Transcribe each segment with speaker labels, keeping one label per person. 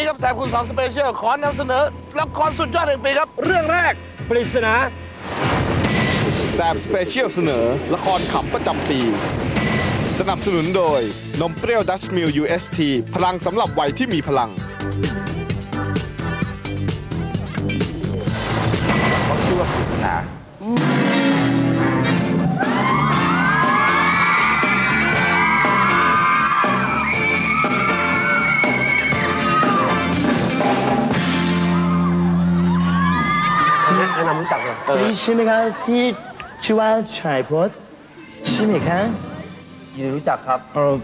Speaker 1: ครับแสบคุณ2 สเปเชียลขอนำเสนอละครสุดยอดแห่งปีครับเรื่องแรกปริศนาแสบสเปเชียลเสนอละครขำประจำปีสนับสนุนโดยนมเปรี้ยวดัชมิล UST พลังสำหรับวัยที่มีพลังเขาชื่อว่าปริศนา
Speaker 2: แนะนำรู้จักเลย
Speaker 3: นี่ใช่ไหมครับที่ชื่อว่าชายพจน์ใช่ไหมครับ
Speaker 2: ยินดีรู้จักครับ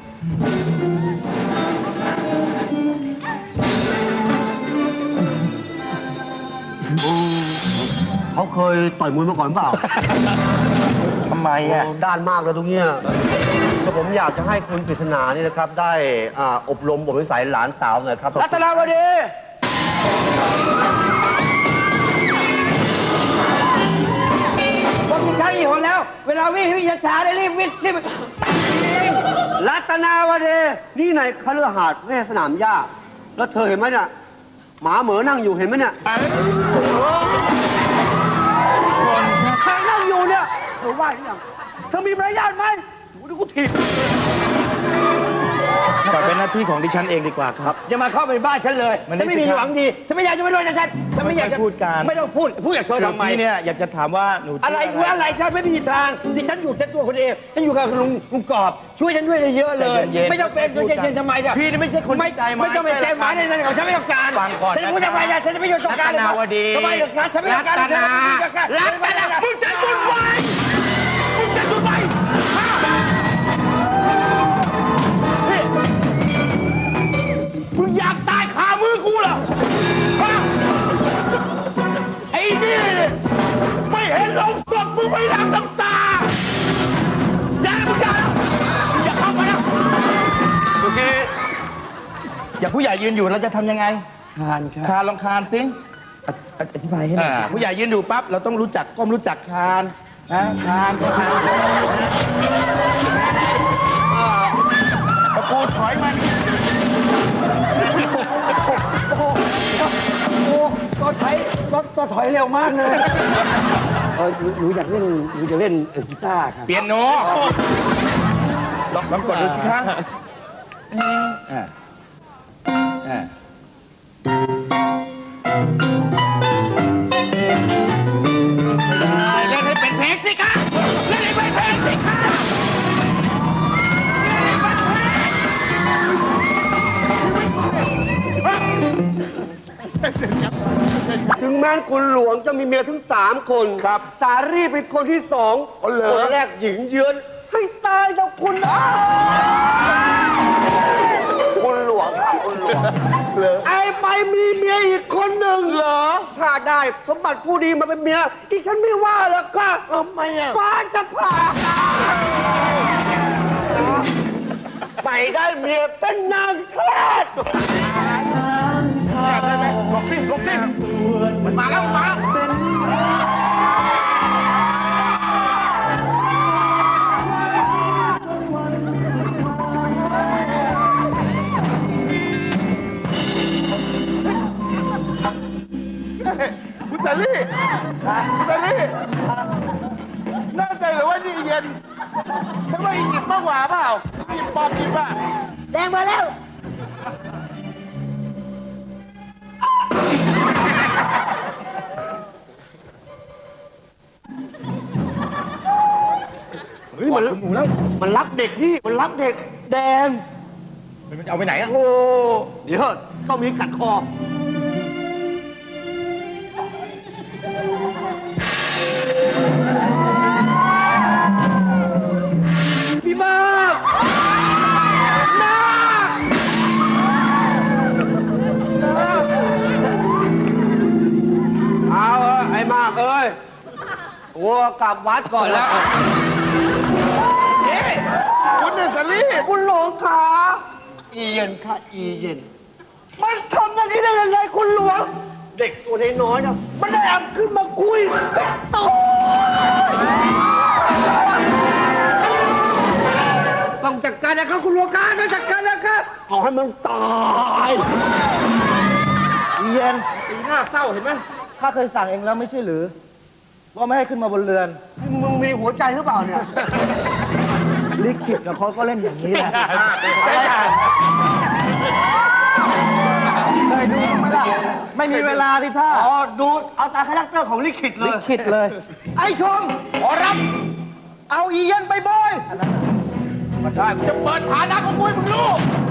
Speaker 2: เขาเคยต่อยมวยมาก่อนเปล่า
Speaker 3: ทำไมอ่ะ
Speaker 2: ด้านมากเลยตรงเนี้ยก็ผมอยากจะให้คุณปริศนานี่นะครับได้อบรมบ่มนิสัยหลานสาวหน่อยครับรัตนาวดีผมกินข้าวกี่คนแล้ว เวลาวิ่งช้าๆได้รีบวิ่งรัตนาวดีนี่ในคฤหาสน์แม่สนามหญ้าแล้วเธอเห็นไหมเนี่ยหมาเหมือนั่งอยู่เห็นไหมเนี่ยใครนั่งอยู่เนี่ยเธอว่าหรือยังเธอมีมารยาทไหมดูกูถีบ
Speaker 3: ปล่อยเป็นหน้าที่ของดิฉันเองดีกว่าครับ
Speaker 2: อย่ามาเข้าไปบ้านฉันเลยฉันไม่มีหวังดีฉันไม่อยากจะมาด้วยนะฉันไม่อยากจะ
Speaker 3: พูดกัน
Speaker 2: ไม่ต้องพูดอยากเธอทำไม
Speaker 3: พี่เนี่ยอยากจะถามว่าหนู
Speaker 2: อะไรฉันไม่มีทางดิฉันอยู่แค่ตัวคนเองฉันอยู่กับลุงกอบช่วยฉันด้วยเยอะเลยไม่ต้องเป็นเย็นทำไมเนี่ย
Speaker 3: พี่นี่ไม่ใช่คนใจไม้
Speaker 2: ไม่ต้องไปใจหมายในนั้นของฉันไม่ต้องการ
Speaker 3: ฟังก่อน
Speaker 2: ฉันพูดทำไมฉันจะไม่ยอมต้องการ
Speaker 3: รัตนาวดี
Speaker 2: ทำไมเหรอคะฉันไม่ต้องการรัตนามึงจะจุดไฟมึงจะจุดไฟมึงอยากตายคามือกูเหรอไอ้นี่ไม่เห็นลงศพมึงไม่ล้างน้ำตาอย่ามึงอย่าเข้ามานะโอเค
Speaker 3: อยากผู้ใหญ่ยืนอยู่เราจะทำยังไง
Speaker 2: คาน
Speaker 3: ลองคานสิ
Speaker 2: อธิบายให้หน่อย
Speaker 3: ผู้ใหญ่ยืนอยู่ปั๊บเราต้องรู้จักก้มรู้จักคานนะคานตะปูถอยมัน
Speaker 2: ก็ถอยเร็วมากเลยหนูอยากเล่นหนูจะเล่นกีตาร์ครับ
Speaker 3: เปียโนลองกดดูสิคะเล่นให้เป็นเพลงสิคะเล่นให้เป็นเพลงสิคะ
Speaker 2: ถึงแม้คุณหลวงจะมีเมียถึง3 คนครับสารีเป็นคนที่2คนแรกหญิงเยือนให้ตายกับคุณคุณหลวงครับคุณหลวงไอ้ไปมีเมียอีกคนหนึ่งเหรอถ้าได้สมบัติผู้ดีมาเป็นเมียที่ฉันไม่ว่าหรอกค่ะทำไมอ่ะฟ้าจะผ่าไปได้เมียเป็นนางเทศ
Speaker 1: หลบสิมันมาแล้วคุณตาลี่น่าใจหรือว่านี่เย็นฉันว่าอียิปต์มากกว่าเปล่าอียิปต์ปอบอียิปต์อะ
Speaker 2: แดงมาแล้วเฮ้ยมันรักเด็กนี่มันรักเด็กแดง
Speaker 3: มันจะเอาไปไหนอ่ะ
Speaker 2: โอ้เดี๋ยวต้องมีกัดคอพี่มากเอาไอ้มากเอ้ยวัวกลับวัดก่อนแล้ว
Speaker 1: คุณเนสลี่
Speaker 2: คุณหลวงขาอีเย็นค่ะอีเย็นมันทำอย่างนี้ได้ยังไงคุณหลวง เด็กตัวน้อยๆนะมันได้แอบขึ้นมาคุยต่อต้องจัดการนะครับคุณหลวงครับต้องจัดการนะครับเอาให้มันตาย
Speaker 3: อีเย็น
Speaker 1: สีหน้าเศร้าเห็นไหม
Speaker 3: ข้าเคยสั่งเองแล้วไม่ใช่หรือ ว่าไม่ให้ขึ้นมาบนเรือน
Speaker 2: มึงมีหัวใจหรือเปล่าเนี่ย
Speaker 3: ลิขิตกับเขาก็เล่นอย่างนี้แหละเคยดูไหมล่ะไม่มีเวลาที่ท่า
Speaker 2: อ๋อ ดูเอาตามคาแรคเตอร์ของลิขิตเล
Speaker 3: ลิ
Speaker 2: ย
Speaker 3: ขิตเลย ไอ้ชมขอรับ เอาอีเย็นไปบอย
Speaker 1: ก็ได้กูจะเปิดฐานะของกูให้มึงรู้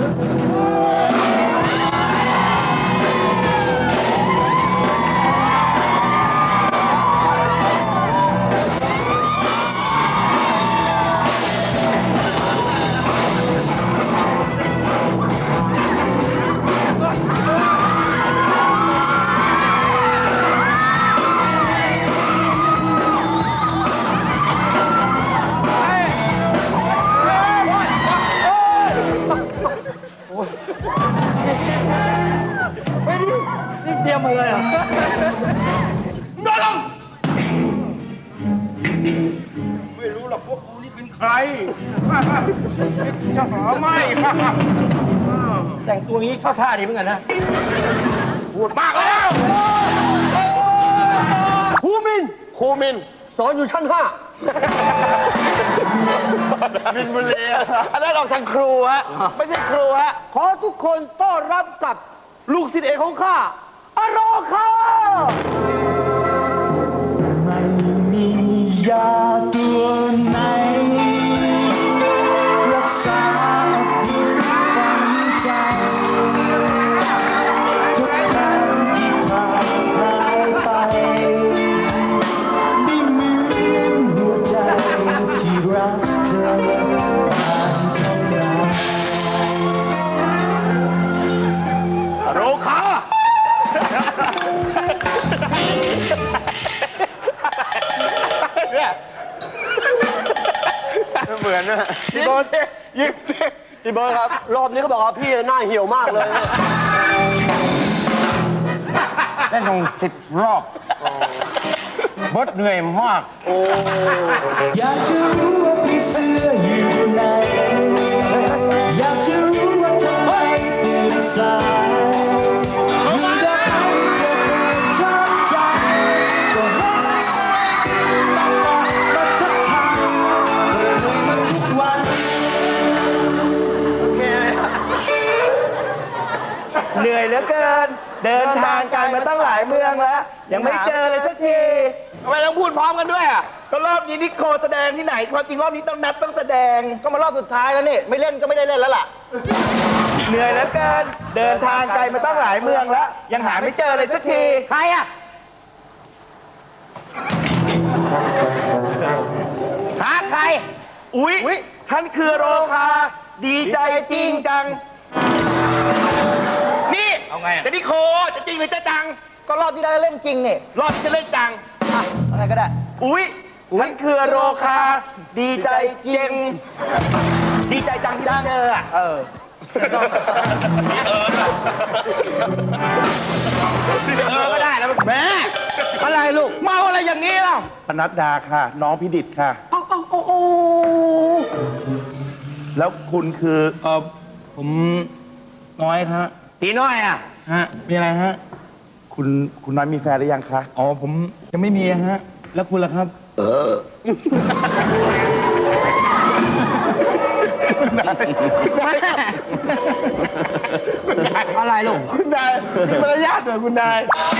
Speaker 3: นี่เตรียมมาเลยอ่ะ
Speaker 1: นอนลง
Speaker 2: ไม่รู้หรอกพวกกูนี่เป็นใคร จะหาไม่
Speaker 3: แต่งตัวงี้เข้าท่าดีเหมือนกันนะ
Speaker 1: พูดมากแล้ว
Speaker 2: ครูมิน สอนอยู่ชั้น 5
Speaker 1: มินบุรีอันนั้นออกทางครูฮะ ไม่ใช่ครูฮะ
Speaker 2: ขอทุกคนต้อนรับกับลูกศิษย์เอกของข้าอโรคา
Speaker 3: ไม่มียาตัวไหนรักษาผิวฝังใจทุกทางที่ผ่านหายไปได้เหมือนหัวใจที่รักเธอผ่านเท่านั้น
Speaker 1: โรคาเนี่ยเหมือนนะ
Speaker 2: พี่บอล
Speaker 1: ยิ้มสิ
Speaker 2: พี่บอลครับ รอบนี้เขาบอกว่าพี่หน้าเหี่ยวมากเลย
Speaker 3: เล่นลง10 รอบ บดเหนื่อยมาก อยากจะรู้ว่าพี่เสื้ออยู่ไหน อยากจะรู้ว่าทำไมตื่นสายยิ่งจะให้เธอเกิดช้ำใจก็รักตลอดมาทักทายเลยมาทุกวัน เหนื่อยเหลือเกิน เดินทางกันมาตั้งหลายเมืองแล้ว ยังไม่เจอเลยสักที
Speaker 1: ทำไมต้องพูดพร้อมกันด้วยอ่ะ
Speaker 3: ก็รอบนี้นิโคแสดงที่ไหนความจริงรอบนี้ต้องนัดต้องแสดง ก็มารอบสุดท้ายแล้วนี่ไม่เล่นก็ไม่ได้เล่นแล้วล่ะ เหนื่อยเหลือเกิน เดินทางไกลมาตั้งหลายเมืองแล้ว ยังหาไม่เจอเลยสักที
Speaker 2: ใครอ่ะ หาใคร
Speaker 3: อุ๊ยท่านคือโรคาดีใจจริงจัง นี่
Speaker 1: เอาไงอะ
Speaker 3: จะนิโคจะจริงหรือจะจัง
Speaker 2: ก็รอบที่ได้เล่นจริงนี่
Speaker 3: รอบที่จะเล่นจัง
Speaker 2: อ่ะอะไรก็ได้
Speaker 3: อุ๊ยท่านคือโรคาดีใจจริง ดีใจจังที่ได้เจออ่ะ
Speaker 2: เออ
Speaker 1: ก็ได้แล้วแม่
Speaker 2: อะไรลูก
Speaker 1: เมาอะไรอย่างนี้ล่ะ
Speaker 3: ปนัดดาค่ะ น้องพิดิษฐ์ค่ะ แล้วคุณคือผมน้อยครับ
Speaker 2: ตีน้อยอ่ะ
Speaker 3: ฮะมีอะไรฮะ คุณน้อยมีแฟนหรือยังคะอ๋อผมยังไม่มีฮะ แล้วคุณล่ะครับ
Speaker 2: อะไรลูก
Speaker 3: คุณนายมีมารยาทหน่อยคุณนาย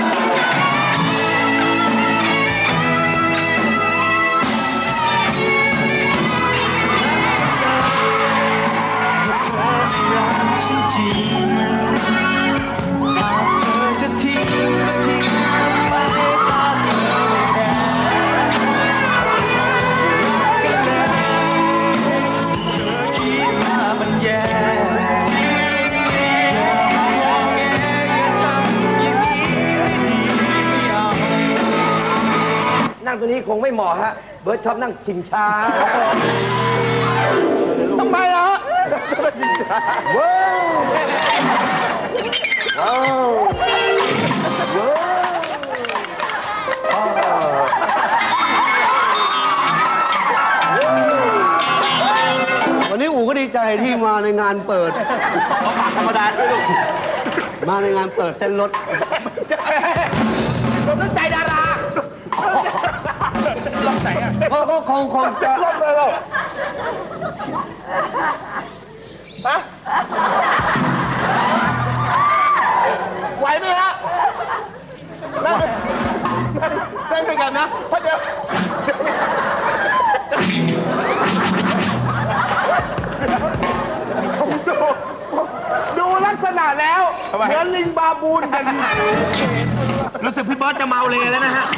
Speaker 2: นั่งตัวนี้คงไม่เหมาะฮะ เบิร์ดชอบนั่งชิงช้า
Speaker 1: ทำไมล่ะ
Speaker 2: ว้าววันนี้อู๋ก็ดีใจที่มาในงานเปิด
Speaker 3: ธรรมดาด้วยลูก
Speaker 2: มาในงานเปิดเต้นรถเราต้องใจดาราลองไหนอ่ะก็คงจะลองเลยเราฮะไหวไหมฮะนั่งด้วยกันนะเพราะเดี๋ยวดูลักษณะแล้วเหมือนลิงบาบูนกันรู้สึกพี่เบิร์ตจะเมาเลยแล้วนะฮะ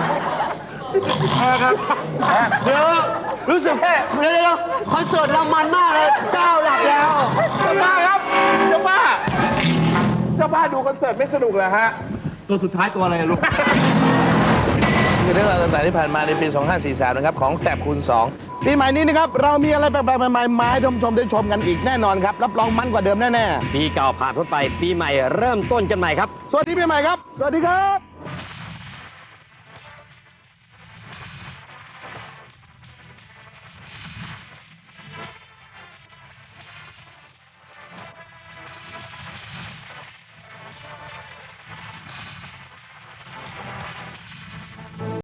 Speaker 2: ครับเดี๋ยวรู้สึกเดี๋ยวคอนเสิร์ตเรามันมากเลยเจ้าหลับแล้วเจ้าบ้าครับเจ้าบ้าดูคอนเสิร์ตไม่สนุกเหรอฮะตัวสุดท้ายตัวอะไรลูกคือเรื่องราวต่างๆที่ผ่านมาในปี 2543 นะครับของแสบคูณ 2 ปีใหม่นี้นะครับเรามีอะไรแปลกๆใหม่ๆมาให้ท่านผู้ชมได้ชมกันอีกแน่นอนครับรับรองมันกว่าเดิมแน่
Speaker 3: ปีเก่าผ่านพ้นไปปีใหม่เริ่มต้นกันใหม่ครับ
Speaker 2: ๆสวัสดีปีใหม่ครับสวัสดีครับ